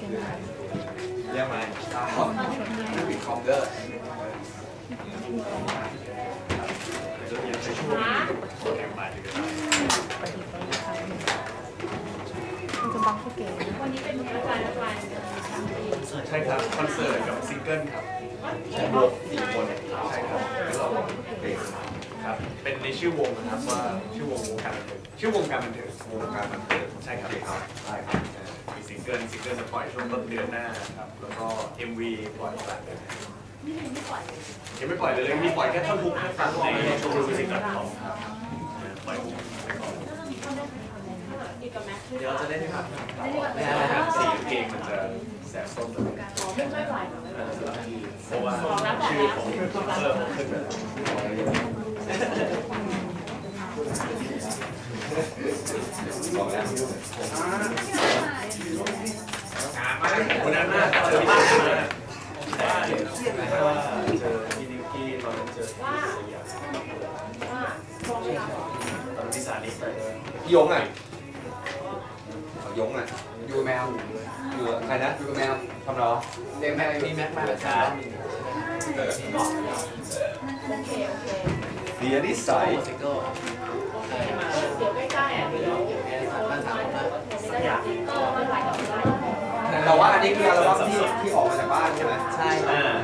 เรียกมาปิดคอมเดอร์จะเรียนในช่วงโปรแกรมบ่ายถึงจะมันจะบังเขาเก๋วันนี้เป็นอาจารย์ใช่ครับคอนเสิร์ตกับซิงเกิลครับใช้วง4 คนใช่ครับแล้วเราเป็นครับเป็นในชื่อวงนะครับว่าชื่อวงการบันเทิงชื่อวงการบันเทิงวงการบันเทิงใช่ครับใช่ครับมีซิงเกิลจะปล่อยช่วงต้นเดือนหน้าครับแล้วก็ MV ปล่อยกลางเดือนยังไม่ปล่อยเลยมีปล่อยแค่ท่อนฮุกนะครับในโชว์มิวสิก.com ครับปล่อยฮุกไปก่อนเดี๋ยวจะได้ไหมครับไม่ได้ครับสีเพลงมันจะแสบส้มตัวไม่ค่อยไหวเพราะว่าชื่อของเริ่มขึ้นแล้วบอกแล้ววันนั้นน่าเจอพี่นิกมาเจอพี่นิกกี้ตอนนั้นเจอพี่สยามตอนพี่สานิไปพี่ยงอ่ะยงอ่ะอยู่แมวอยู่ใครนะอยู่กับแมวทำหรอเด็กแมวมีแม็กมาแล้วจ้าเดียนิสัยเดี๋ยวใกล้ๆอ่ะเดี๋ยวแต่ว่าอันนี้คืออัลบั้มที่ออกมาจากบ้านใช่ไหมใช่